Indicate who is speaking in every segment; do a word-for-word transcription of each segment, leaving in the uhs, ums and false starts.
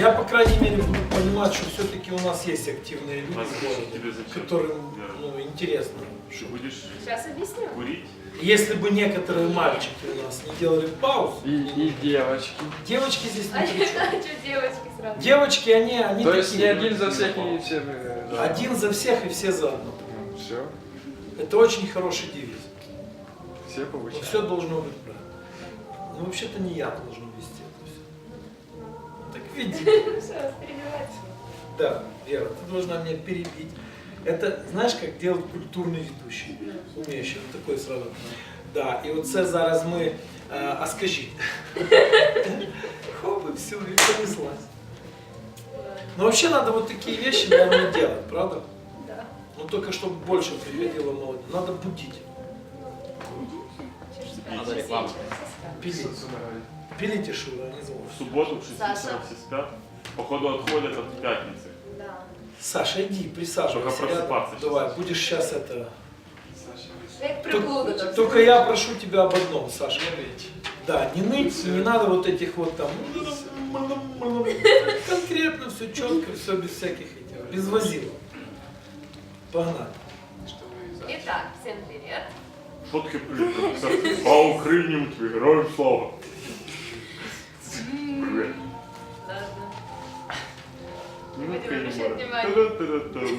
Speaker 1: Я, по крайней мере, буду понимать, что все-таки у нас есть активные люди,
Speaker 2: А
Speaker 1: в городе,
Speaker 2: тебе зачем?
Speaker 1: которым
Speaker 2: Вера?
Speaker 1: ну, интересно.
Speaker 2: Ты будешь
Speaker 3: Сейчас объясню.
Speaker 2: курить?
Speaker 1: Если бы некоторые мальчики у нас не делали пауз,
Speaker 4: И, и девочки.
Speaker 1: девочки здесь
Speaker 3: А
Speaker 1: не при чем.
Speaker 3: что девочки сразу?
Speaker 1: Девочки, они, они
Speaker 4: То есть не
Speaker 1: такие.
Speaker 4: один за всех и все. э, за-
Speaker 1: Один за всех и все за одно.
Speaker 4: Все.
Speaker 1: Это очень хороший девиз.
Speaker 4: Все
Speaker 1: Но
Speaker 4: получают.
Speaker 1: все должно быть правильно. Ну, вообще-то не я должен вести это все. Так видите.
Speaker 3: Что, перебивать?
Speaker 1: Да, Вера, ты должна меня перебить. Это, знаешь, как делать культурный ведущий, умеющий, вот такой сразу. Да, і оце зараз ми, е, а скажіть, хоп, и все, и понеслась. Но вообще надо вот такие вещи, наверное, делать, правда?
Speaker 3: Да.
Speaker 1: Ну только чтобы больше приходило молодежь. Надо будить,
Speaker 3: Чё ж спать?
Speaker 2: Надо
Speaker 3: Чё
Speaker 2: рекламу.
Speaker 3: сидеть? Соска.
Speaker 1: пилить. Пилите шура, не знаю.
Speaker 2: В субботу в шесть
Speaker 3: Саша.
Speaker 2: вечера все спят. Походу отходят от пятницы.
Speaker 3: Да.
Speaker 1: Саша, иди, присаживайся
Speaker 2: Только
Speaker 1: рядом.
Speaker 2: просыпаться сейчас.
Speaker 1: Давай, будешь сейчас это...
Speaker 3: Как приблуда
Speaker 1: Только,
Speaker 3: там.
Speaker 1: только я прошу тебя об одном, Саша. Да, не ныть, не надо вот этих вот там... Конкретно, все четко, все без всяких этих, без возилок. Погнали.
Speaker 3: Итак, всем привет.
Speaker 2: Шутки привет. А Україні твій герой слава. Привет.
Speaker 3: Ладно.
Speaker 2: Минутка
Speaker 3: Будем обращать
Speaker 2: юмора.
Speaker 3: внимание.
Speaker 2: Та-да-та-да-там.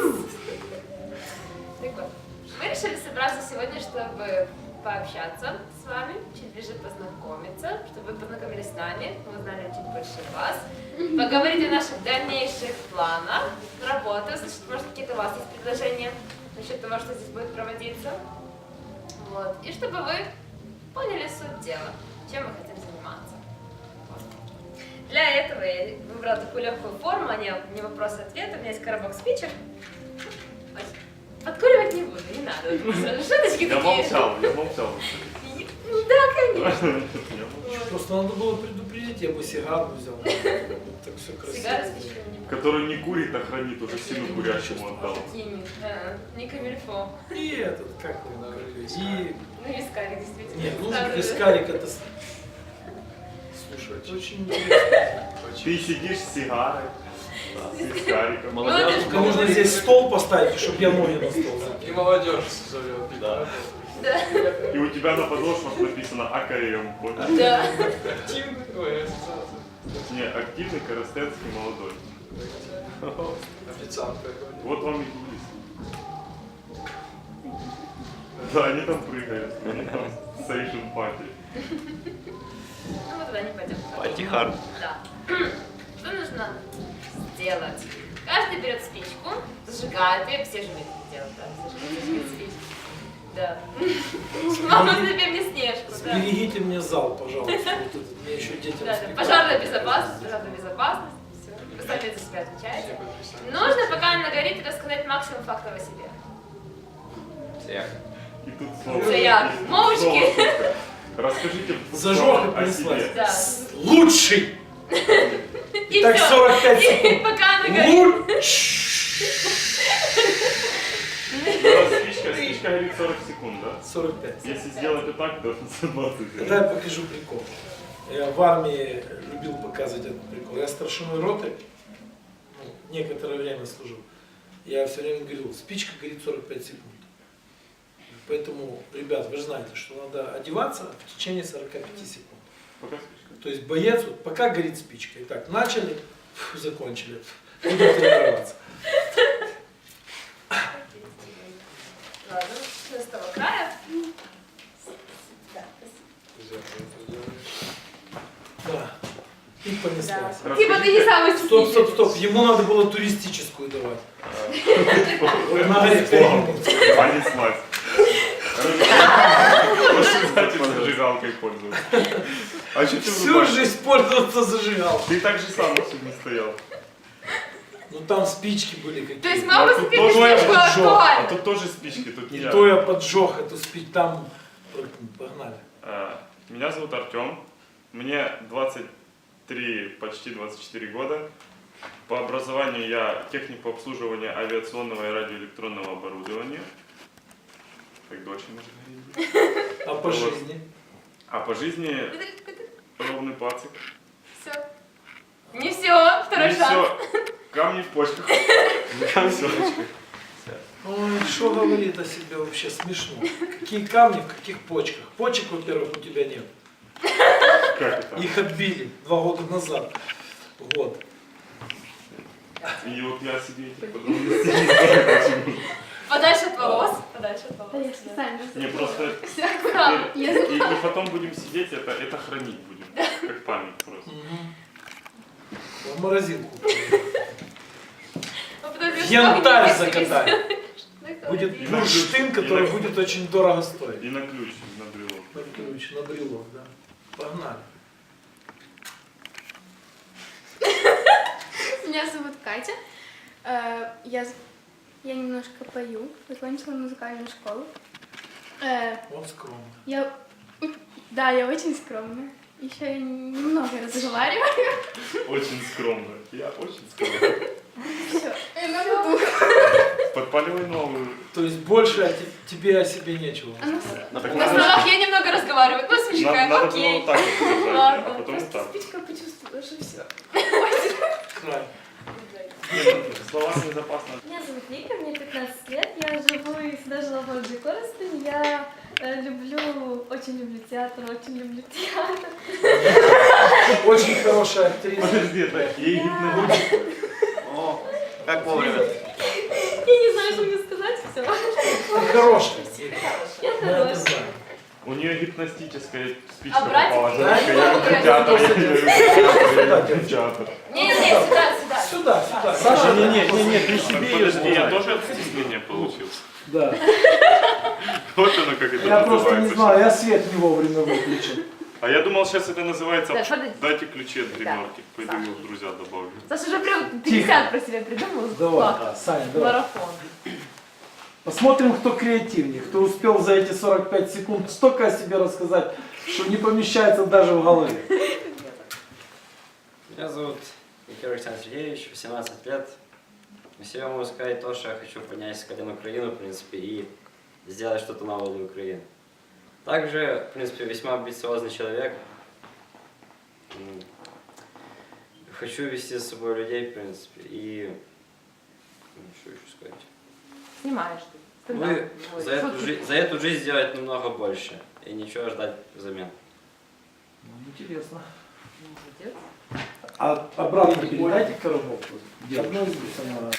Speaker 3: Так вот, мы решили собраться сегодня, чтобы пообщаться с вами, чуть ближе познакомиться, чтобы вы познакомились с нами, мы узнали чуть больше вас, поговорить о наших дальнейших планах работы, значит, может, какие-то у вас есть предложения насчет того, что здесь будет проводиться. Вот. И чтобы вы поняли суть дела, чем мы хотим заниматься. Вот. Для этого я выбрала такую легкую форму, а не, не вопрос-ответ, у меня есть коробок спичек. Ой, подкуривать не буду, не надо. Шуточки
Speaker 2: Я
Speaker 3: такие.
Speaker 2: молчал, я молчал.
Speaker 3: Да, конечно.
Speaker 2: Я молчал.
Speaker 1: Просто надо было предупредить, я бы сигару взял. Так все красиво.
Speaker 3: Сигары с спичками не
Speaker 2: Который не курит, а хранит, уже сильно курящему отдал.
Speaker 3: Кими. А, не камильфо.
Speaker 1: И этот, как его говорили, и...
Speaker 3: Ну, вискарик, действительно.
Speaker 1: Нет, ну
Speaker 3: Ставлю.
Speaker 1: вискарик это... с- Слушай, это очень интересно.
Speaker 2: Ты сидишь с сигарой, с вискариком.
Speaker 3: Ну, это ж
Speaker 1: Только нужно здесь стол поставить, чтобы я ноги на стол закинул.
Speaker 4: И молодежь зовет.
Speaker 2: Да.
Speaker 3: Да.
Speaker 2: И у тебя на подошвах написано «Акарием».
Speaker 3: Да.
Speaker 4: Активный. Ой, ассоциация.
Speaker 2: Не, активный, коростенский, молодой.
Speaker 4: Официант какой-то.
Speaker 2: Вот вам и турист. Да, они там прыгают, они там сейшн пати.
Speaker 3: Ну, мы туда не пойдем.
Speaker 4: Пати-хард.
Speaker 3: Да. Что нужно сделать? Каждый берет спичку, зажигает ее, все же умеют это делать, да? Зажигать, зажигать спичку. Да. Мама, например, мне снежку, да.
Speaker 1: Сберегите мне зал, пожалуйста. Вот этот, мне еще дети
Speaker 3: Да, да.
Speaker 1: воспитывают.
Speaker 3: Пожарная безопасность, пожарная безопасность. Все. Вы сами за себя отвечаете. Нужно, пока она горит, рассказать максимум фактов о себе.
Speaker 4: Всех.
Speaker 2: И тут слово.
Speaker 3: Це як?
Speaker 2: и тут
Speaker 3: Мовчки.
Speaker 2: слово только. Расскажите
Speaker 1: Зажег и
Speaker 2: о
Speaker 1: понеслась.
Speaker 2: себе.
Speaker 3: Да.
Speaker 1: Лучший!
Speaker 3: И
Speaker 1: Так
Speaker 3: всё.
Speaker 1: сорок пять
Speaker 3: И
Speaker 1: секунд.
Speaker 3: пока она горит.
Speaker 1: Лучший!
Speaker 2: Ну, раз спичка, спичка горит сорок секунд, да?
Speaker 1: сорок пять.
Speaker 2: Если сделать вот так, то сто двадцать.
Speaker 1: Тогда я покажу прикол. Я в армии любил показывать этот прикол. Я старшиной роты, ну, некоторое время служил. Я все время говорил, спичка горит сорок пять секунд. Поэтому, ребят, вы же знаете, что надо одеваться в течение сорока пяти секунд.
Speaker 2: Пока спичка.
Speaker 1: То есть боец, вот, пока горит спичка. Итак, начали, фу, закончили. Буду тренироваться.
Speaker 3: Ладно, что с того края? Да, спасибо.
Speaker 1: Да. И понеслась.
Speaker 3: Да. Типа ты не самый
Speaker 1: Стоп,
Speaker 3: стихийный.
Speaker 1: стоп, стоп. Ему надо было туристическую давать. На
Speaker 2: Слово.
Speaker 1: эксперимент.
Speaker 2: Понеслась. Кстати, зажигалкой пользоваться. А что ты
Speaker 1: Всю
Speaker 2: выбрал?
Speaker 1: жизнь пользоваться зажигал.
Speaker 2: Ты так же сам сегодня стоял.
Speaker 1: Ну там спички были
Speaker 3: То есть
Speaker 1: какие-то.
Speaker 3: мама
Speaker 2: А тут
Speaker 3: себе
Speaker 2: тоже
Speaker 3: спичку
Speaker 1: поджог,
Speaker 2: А
Speaker 3: актуально.
Speaker 2: тут тоже спички, тут не
Speaker 1: И
Speaker 2: я.
Speaker 1: то я поджег эту спичку. Там погнали.
Speaker 2: А, Меня зовут Артем. Мне двадцать три, почти двадцать четыре года. По образованию я техник по обслуживанию авиационного и радиоэлектронного оборудования. Как дочь может говорить.
Speaker 1: А по
Speaker 2: Вот.
Speaker 1: жизни?
Speaker 2: А по жизни ровный пацик.
Speaker 3: Все. Не все, второй
Speaker 2: Не
Speaker 3: шанс.
Speaker 2: все. Камни в почках. Всё.
Speaker 1: Ой, что говорит о себе вообще смешно. Какие камни в каких почках? Почек, во-первых, у тебя нет.
Speaker 2: Как это?
Speaker 1: Их отбили два года назад. Вот.
Speaker 2: И вот я себе этих подробностей не знаю, почему.
Speaker 3: Подальше от волос. Подальше от волос.
Speaker 5: Да, я специально
Speaker 2: Не, просто
Speaker 3: Все аккуратно.
Speaker 2: теперь- и, и потом будем сидеть, это, это хранить будем. Как память просто.
Speaker 1: В морозилку.
Speaker 3: Ну, подожди, что
Speaker 1: Янтарь
Speaker 3: вы не
Speaker 1: закатали.
Speaker 3: встретились?
Speaker 1: Будет
Speaker 2: И
Speaker 1: бурштин,
Speaker 2: на-
Speaker 1: который
Speaker 2: и на-
Speaker 1: будет очень дорого стоить.
Speaker 2: И на ключ, на брелок.
Speaker 1: На ключ, на брелок, да. Погнали.
Speaker 5: Меня зовут Катя. Э, Я, з- я немножко пою, закончила музыкальную школу. Э,
Speaker 1: Он скромный.
Speaker 5: Я, да, я очень скромная. Еще я немного разговариваю.
Speaker 2: Очень скромно. Я очень скромно.
Speaker 5: Все. На ходу.
Speaker 2: Подпаливай новую.
Speaker 1: То есть больше о те- тебе о себе нечего.
Speaker 5: А ну, с-
Speaker 2: Так
Speaker 3: На словах я немного разговариваю. Ну,
Speaker 2: Надо,
Speaker 3: смешка,
Speaker 2: надо было
Speaker 3: окей.
Speaker 2: вот так вот держать,
Speaker 3: Ладно,
Speaker 2: а потом вот так.
Speaker 5: спичка почувствовала, что все.
Speaker 1: Край.
Speaker 2: Нет, слова незапасно.
Speaker 6: Меня зовут Вика, мне пятнадцать лет, я живу и всегда жила в городе Коростень. Я э, люблю, очень люблю театр, очень люблю театр.
Speaker 1: Очень хорошая актриса.
Speaker 2: Подожди, это ей гипнотизм.
Speaker 4: О, как вовремя.
Speaker 6: Я не знаю, что мне сказать, все.
Speaker 1: Ты хорошая.
Speaker 6: Я
Speaker 1: Мы это
Speaker 6: хорошая.
Speaker 1: знаем.
Speaker 2: У нее гипностическая спичка
Speaker 3: А братик?
Speaker 2: попала.
Speaker 1: Да,
Speaker 2: Женечка,
Speaker 1: я
Speaker 2: я
Speaker 1: вот
Speaker 2: люблю
Speaker 1: это
Speaker 2: театр,
Speaker 1: тоже
Speaker 2: я
Speaker 1: делаю.
Speaker 2: люблю театр.
Speaker 3: Не-не-не, сюда, сюда.
Speaker 1: Сюда, сюда.
Speaker 7: Саша, не, не, не, не, ты себе ее
Speaker 2: Подожди, я
Speaker 7: знай.
Speaker 2: тоже от стеснения получил.
Speaker 7: Да.
Speaker 2: Вот оно как это
Speaker 7: Я просто не
Speaker 2: называется.
Speaker 7: знаю, я свет не вовремя выключил.
Speaker 2: А я думал, сейчас это называется
Speaker 3: Да, подожди.
Speaker 2: «Дайте ключи от гримерки». Пойду
Speaker 3: Саша.
Speaker 2: его в друзья добавлю.
Speaker 3: Саша уже прям пятьдесят про себя придумал.
Speaker 7: Давай,
Speaker 3: Факт.
Speaker 7: Саня, давай.
Speaker 3: Марафон.
Speaker 7: Посмотрим, кто креативнее, кто успел за эти сорок пять секунд столько о себе рассказать, что не помещается даже в голове.
Speaker 4: Меня зовут Никита Александр Сергеевич, восемнадцать лет. На себя могу сказать то, что я хочу поднять с колен Украину, в принципе, и сделать что-то новое для Украины. Также, в принципе, весьма амбициозный человек. М, Хочу вести за собой людей, в принципе, и... ну, что еще сказать?
Speaker 3: Снимаешь ты.
Speaker 4: Ну
Speaker 3: Стендап.
Speaker 4: и
Speaker 3: Ой,
Speaker 4: за эту,
Speaker 3: шутки.
Speaker 4: жи- за эту жизнь сделать намного больше, и ничего ждать взамен.
Speaker 7: Ну, интересно.
Speaker 3: Молодец.
Speaker 7: А обратно передайте коробок. Одну из них сама.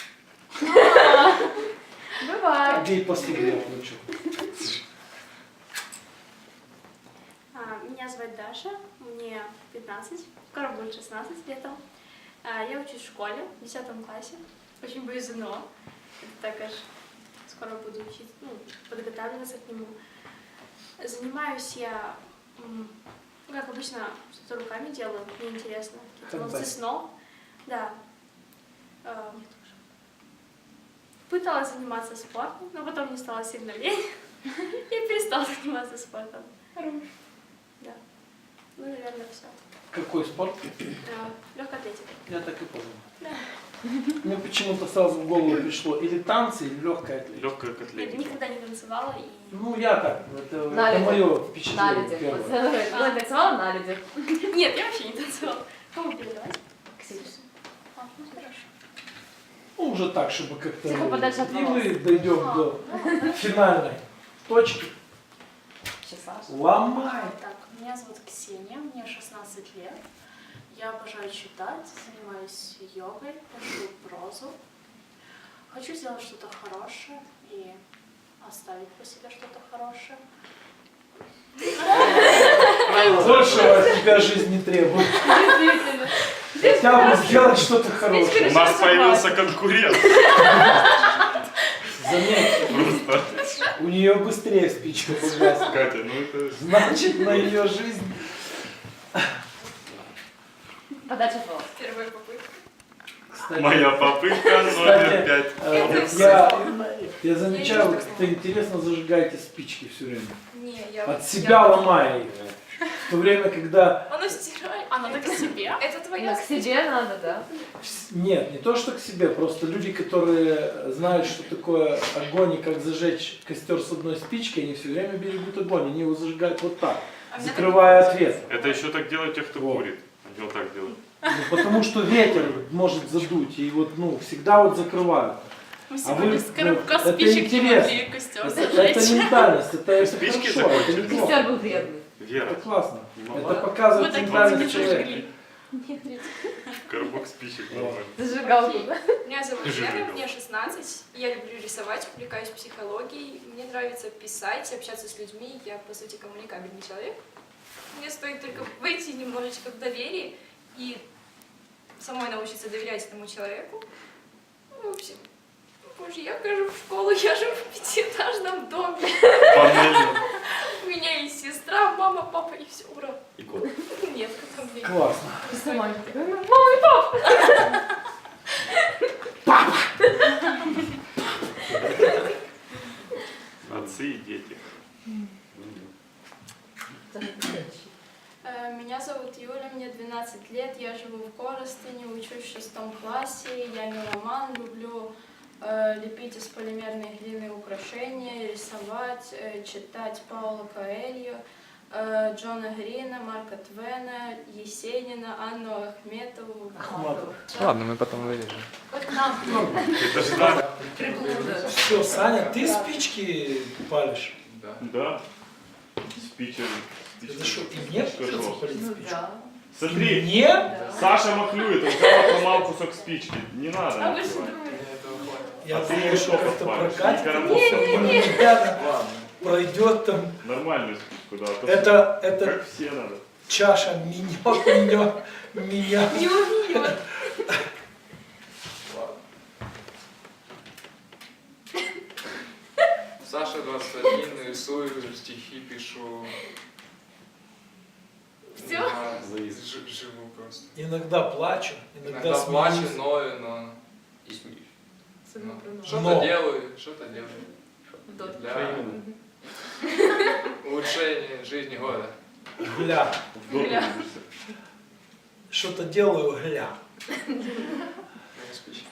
Speaker 3: Бывает.
Speaker 7: Ей последний я получу.
Speaker 8: А, Меня зовут Даша, мне пятнадцать, скоро будет шестнадцать летом. А, Я учусь в школе, в десятом классе. Очень боюсь ЗНО. Это так аж скоро буду учиться, ну, подготавливаться к нему. Занимаюсь я, м, ну, как обычно, что-то руками делаю, мне интересно. Какие-то ловцы
Speaker 1: Фантастика.
Speaker 8: снов. Да. А, Пыталась заниматься спортом, но потом мне стало сильно лень. Я перестала заниматься спортом. Да. Ну, наверное, все.
Speaker 1: Какой спорт?
Speaker 8: Легкая атлетика.
Speaker 1: Я так и понял.
Speaker 8: Да.
Speaker 7: Мне почему-то сразу в голову пришло или танцы, или легкая атлетика.
Speaker 2: Легкая
Speaker 8: Я
Speaker 2: котлетка.
Speaker 8: никогда не танцевала и...
Speaker 7: Ну, я так, это,
Speaker 3: На
Speaker 7: это
Speaker 3: людях.
Speaker 7: мое
Speaker 3: На
Speaker 7: впечатление
Speaker 3: людях.
Speaker 7: первое.
Speaker 3: Вот Она танцевала на людях.
Speaker 8: Нет, я вообще не танцевала. Кому передавать?
Speaker 3: Ксюша.
Speaker 8: А, ну хорошо.
Speaker 7: Ну, уже так, чтобы как-то...
Speaker 3: Тихо, подальше от
Speaker 7: И
Speaker 3: волос.
Speaker 7: мы дойдем до финальной точки.
Speaker 3: Сейчас.
Speaker 7: Ломай.
Speaker 9: Так, меня зовут Ксения, мне шестнадцать лет. Я обожаю читать, занимаюсь йогой, пишу прозу. Хочу сделать что-то хорошее и оставить по себе что-то хорошее.
Speaker 7: Большего от тебя жизнь не требует.
Speaker 3: Действительно.
Speaker 7: Хотя бы сделать что-то
Speaker 2: У
Speaker 7: хорошее.
Speaker 2: нас появился конкурент.
Speaker 7: Заметь,
Speaker 2: Просто.
Speaker 7: у нее быстрее спичка погаснет.
Speaker 2: Катя, ну это...
Speaker 7: Значит, на ее жизнь...
Speaker 3: Подальше от волос.
Speaker 8: Первая попытка.
Speaker 7: Кстати,
Speaker 2: Моя попытка номер
Speaker 7: Кстати,
Speaker 2: пять.
Speaker 7: э, я, я замечаю, вы как-то интересно зажигаете спички все время.
Speaker 8: Не, я...
Speaker 7: От себя ломая их. В то время, когда...
Speaker 8: Оно стирает. А, надо к себе. Это
Speaker 3: Ну,
Speaker 8: твоя
Speaker 3: к себе надо, да.
Speaker 7: Нет, не то, что к себе, просто люди, которые знают, что такое огонь и как зажечь костер с одной спичкой, они все время берегут огонь, они его зажигают вот так,
Speaker 8: А меня
Speaker 7: закрывая ответ.
Speaker 2: Это еще так делают те, кто
Speaker 7: Вот.
Speaker 2: курит. Они вот так делают.
Speaker 7: Ну, потому что ветер может задуть, и вот, ну, всегда вот закрывают.
Speaker 9: Мы
Speaker 7: А
Speaker 9: сегодня
Speaker 7: вы,
Speaker 9: с коробка
Speaker 7: ну, это
Speaker 9: спичек не
Speaker 7: интересно.
Speaker 9: могли костер
Speaker 7: Это,
Speaker 9: зажечь.
Speaker 7: это ментальность, это, это
Speaker 2: Спички
Speaker 7: хорошо, это
Speaker 2: закончились.
Speaker 7: неплохо.
Speaker 3: Костер был вредный.
Speaker 2: Вера,
Speaker 7: Это классно.
Speaker 2: Не
Speaker 7: Это
Speaker 2: могла?
Speaker 9: Мы
Speaker 7: показывает
Speaker 9: так
Speaker 7: ментальность
Speaker 9: не
Speaker 7: человека.
Speaker 9: зажгли.
Speaker 2: коробок спичек нормально.
Speaker 3: Зажигалку, да?
Speaker 10: Меня зовут
Speaker 2: Ты же
Speaker 10: Лена,
Speaker 2: любила.
Speaker 10: мне шестнадцать. Я люблю рисовать, увлекаюсь психологией. Мне нравится писать, общаться с людьми. Я, по сути, коммуникабельный человек. Мне стоит только войти немножечко в доверие и самой научиться доверять этому человеку. Ну, в общем, боже, я хожу в школу, я живу в пятиэтажном доме.
Speaker 2: Панельно.
Speaker 10: У меня есть сестра, мама, папа и все, ура.
Speaker 4: И кот.
Speaker 10: Нет, кота у меня нет.
Speaker 7: Классно.
Speaker 3: Сама такая, мама и папа.
Speaker 2: Отцы и дети.
Speaker 8: Э, Меня зовут Юля, мне двенадцать лет, я живу в Коростыне, учусь в шестом классе, я меломан, люблю э, лепить из полимерной глины украшения, рисовать, э, читать Паула Коэльо, э, Джона Грина, Марка Твена, Есенина, Анну Ахметову.
Speaker 7: Ахматова.
Speaker 11: Ладно, мы потом вырежем.
Speaker 3: Вот нам
Speaker 2: Это же надо.
Speaker 3: приблуда.
Speaker 1: Все, Саня, ты спички палишь?
Speaker 11: Да.
Speaker 2: Да. Спичер.
Speaker 1: Это что, и мне придется палить
Speaker 3: Ну
Speaker 1: спичку?
Speaker 3: да.
Speaker 2: Смотри,
Speaker 1: Мне?
Speaker 3: Да.
Speaker 2: Саша махлюет, он взял отломал кусок спички. Не надо.
Speaker 3: А вы что
Speaker 2: накрывать.
Speaker 3: думаете?
Speaker 11: Мне этого хватит.
Speaker 1: Я
Speaker 2: А ты
Speaker 1: думаю, что
Speaker 2: что
Speaker 1: как-то
Speaker 2: подпалишь?
Speaker 1: прокатит.
Speaker 2: И коробок
Speaker 1: Не,
Speaker 2: подпалишь.
Speaker 1: пройдет там.
Speaker 2: Нормальную спичку, да. а то
Speaker 1: Это,
Speaker 2: всё-
Speaker 1: это
Speaker 2: Как все надо.
Speaker 1: чаша минет, минет, меня.
Speaker 3: Не убьет.
Speaker 11: Саша двадцать один, рисую, стихи пишу.
Speaker 3: Всё?
Speaker 11: Да,
Speaker 4: Завис.
Speaker 11: жи- живу просто.
Speaker 1: Иногда плачу, иногда,
Speaker 11: Иногда плачу,
Speaker 1: смеюсь.
Speaker 11: ною, но
Speaker 4: И смеюсь.
Speaker 3: Особенно про нас.
Speaker 11: что-то
Speaker 1: Но.
Speaker 11: делаю, что-то делаю.
Speaker 3: Дот.
Speaker 11: Для улучшения жизни года.
Speaker 1: Гля.
Speaker 2: В доту
Speaker 3: Гля.
Speaker 2: любишься.
Speaker 1: Что-то делаю, гля.
Speaker 11: Моя спичка.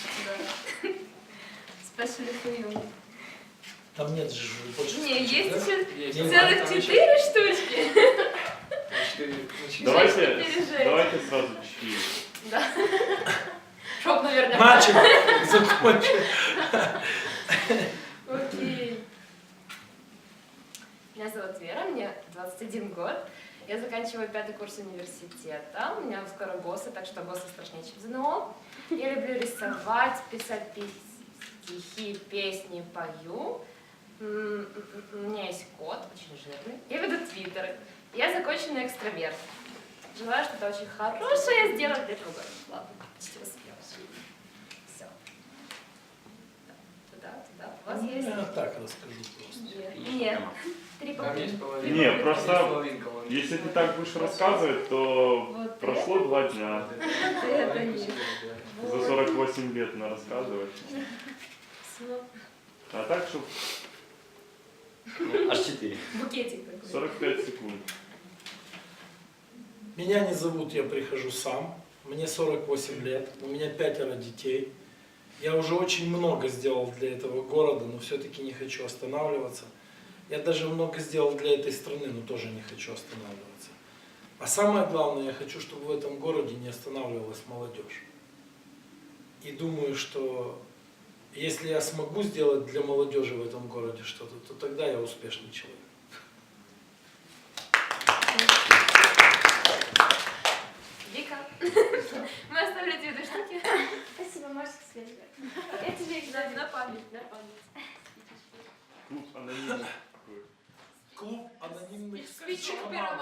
Speaker 3: Спасибо, Фую.
Speaker 1: Там нет же больше
Speaker 3: Не,
Speaker 1: спичек,
Speaker 3: есть
Speaker 1: да?
Speaker 3: еще
Speaker 11: Есть.
Speaker 1: Не,
Speaker 3: целых
Speaker 11: там еще
Speaker 3: четыре штучки.
Speaker 11: на четыре- на четыре.
Speaker 2: Давайте,
Speaker 3: пережить.
Speaker 2: давайте сразу четыре.
Speaker 3: Да. Чтоб, наверное.
Speaker 1: Начал, закончил.
Speaker 3: Окей. Меня зовут Вера, мне двадцать один год. Я заканчиваю пятый курс университета. У меня скоро ГОСы, так что ГОСы страшнее, чем ЗНО. Я люблю рисовать, писать пис- стихи, песни, пою. М, м, м, У меня есть кот, очень жирный. Я веду твиттеры. Я законченный экстраверт. Желаю что-то очень хорошее сделать для других. Ладно, почти успела. Все. Туда, туда. У вас есть?
Speaker 1: Я так расскажу просто.
Speaker 3: Нет. Нет. Три
Speaker 11: Там
Speaker 3: попытки.
Speaker 11: есть половина.
Speaker 2: Не,
Speaker 11: Есть
Speaker 2: просто
Speaker 11: половинка, вон.
Speaker 2: если ты так будешь рассказывать, то
Speaker 3: Вот
Speaker 2: прошло два дня.
Speaker 3: это нет.
Speaker 2: За сорок восемь лет на рассказывать.
Speaker 3: Всё.
Speaker 2: А так, чтобы
Speaker 4: Аж четыре.
Speaker 3: Букетик такой.
Speaker 2: сорок пять секунд.
Speaker 1: Меня не зовут, я прихожу сам. Мне сорок восемь лет, у меня пятеро детей. Я уже очень много сделал для этого города, но все-таки не хочу останавливаться. Я даже много сделал для этой страны, но тоже не хочу останавливаться. А самое главное, я хочу, чтобы в этом городе не останавливалась молодежь. И думаю, что если я смогу сделать для молодежи в этом городе что-то, то тогда я успешный человек.
Speaker 3: Вика, мы оставили тебе две штуки.
Speaker 8: Спасибо, можете следовать.
Speaker 3: Я тебе их дам на память, на память.
Speaker 2: Клуб анонимных.
Speaker 1: Клуб анонимных
Speaker 3: Спичек
Speaker 1: спичек.
Speaker 3: первого